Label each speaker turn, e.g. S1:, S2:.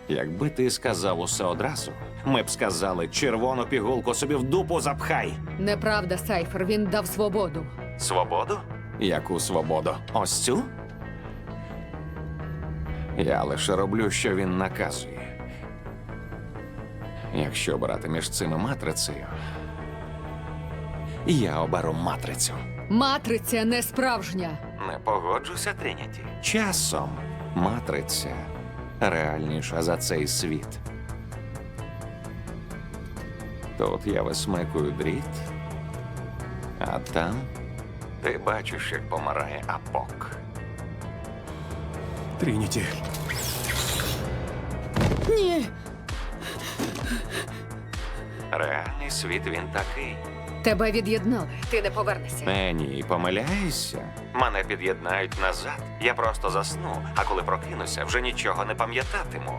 S1: Якби ти сказав усе одразу, ми б сказали, червону пігулку собі в дупу запхай.
S2: Неправда, Сайфер, він дав свободу.
S1: Свободу? Яку свободу? Ось цю? Я лише роблю, що він наказує. Якщо обирати між цими матрицею, я оберу матрицю.
S2: Матриця не справжня.
S1: Не погоджуся, Трініті. Часом матриця реальніша за цей світ. Тут я висмикую дріт, а там ти бачиш, як помирає Апок.
S3: Трініті.
S2: Ні.
S1: Реальний світ він такий.
S2: Тебе від'єднали. Ти не повернешся.
S1: Ні, помиляєшся. Мене під'єднають назад. Я просто засну, а коли прокинуся, вже нічого не пам'ятатиму.